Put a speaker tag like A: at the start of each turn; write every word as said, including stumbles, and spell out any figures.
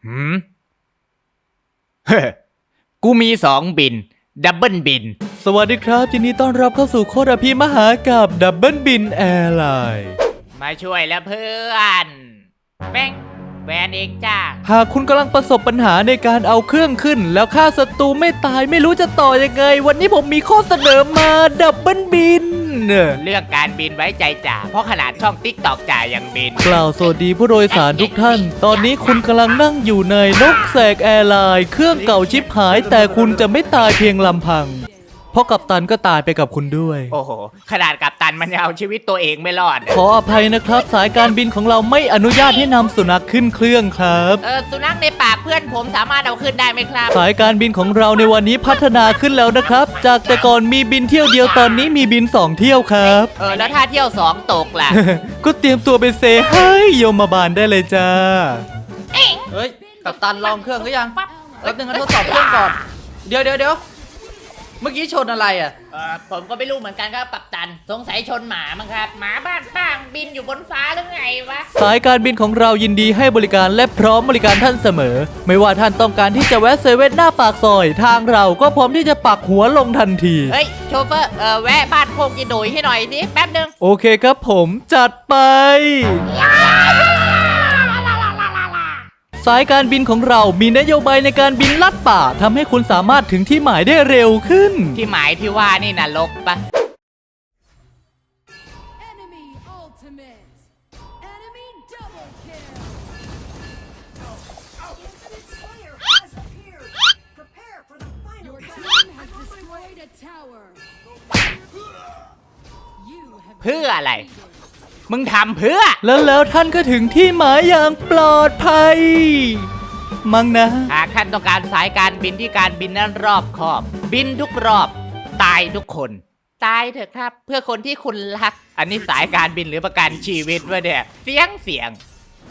A: หืมเฮ้กูมีสองบินดับเบิลบิน
B: สวัสดีครับยินดีต้อนรับเข้าสู่โคตรอภิมหากับดับเบิลบินแอร์ไลน์
A: มาช่วยแล้วเพื่อนแป้งแวนเองจ้า
B: หากคุณกำลังประสบปัญหาในการเอาเครื่องขึ้นแล้วฆ่าศัตรูไม่ตายไม่รู้จะต่อยังไงวันนี้ผมมีข้อเสนอมาดับเบิลบิน
A: เรื่องการบินไว้ใจจ่าเพราะขนาดช่องติ๊กตอกจ่ายังบิน
B: กล่าวสวัสดีผู้โดยสารทุกท่านตอนนี้คุณกำลังนั่งอยู่ในนกแสกแอร์ไลน์เครื่องเก่าชิบหายแต่คุณจะไม่ตายเพียงลำพังเพราะกัปตันก็ตายไปกับคุณด้วย
A: โอ้โหขนาดกัปตันมันยังเอาชีวิตตัวเองไม่รอด
B: ขออภัยนะครับสายการบินของเราไม่อนุญาตให้นำสุนัขขึ้นเครื่องครับ
A: เออสุนัขในปากเพื่อนผมสามารถเอาขึ้นได้ไหมครับ
B: สายการบินของเราในวันนี้พัฒนาขึ้นแล้วนะครับจากแต่ก่อนมีบินเที่ยวเดียวตอนนี้มีบินสองเที่ยวครับ
A: เออแล้วถ้าเที่ยวสองตกล่ะ
B: ก็เตรียมตัวไปเซให้โยมบาลได้เลยจ้า
C: เฮ้ยกัปตันลองเครื่องหรือยังแป๊บนึงนะทดสอบเครื่องก่อนเดี๋ยวเดี๋ยวเดี๋ยวเมื่อกี้ชนอะไรอ่ะ
A: เออผมก็ไม่รู้เหมือนกันครับกัปตันสงสัยชนหมามั้งครับหมาบ้านป้างบินอยู่บนฟ้าหรือไงวะ
B: สายการบินของเรายินดีให้บริการและพร้อมบริการท่านเสมอไม่ว่าท่านต้องการที่จะแวะเซเว่นหน้าปากซอยทางเราก็พร้อมที่จะปักหัวลงทันที
A: เฮ้ยโชเฟอร์เออแวะบ้านโคกยีหนุ่ยให้หน่อยดิแป๊บนึง
B: โอเคครับผมจัดไปสายการบินของเรามีนโยบายในการบินลัดป่าทำให้คุณสามารถถึงที่หมายได้เร็วขึ้น
A: ที่หมายที่ว่านี่นรกปะเพื่ออะไรมึงทำเพื่อ
B: แล้วแล้วท่านก็ถึงที่หมายอย่างปลอดภัยมั้งนะ
A: หากท่านต้องการสายการบินที่การบินนั้นรอบคอบ บินทุกรอบตายทุกคนตายเถอะครับเพื่อคนที่คุณรักอันนี้สายการบินหรือประกันชีวิตวะเนี่ยเสียงเสียง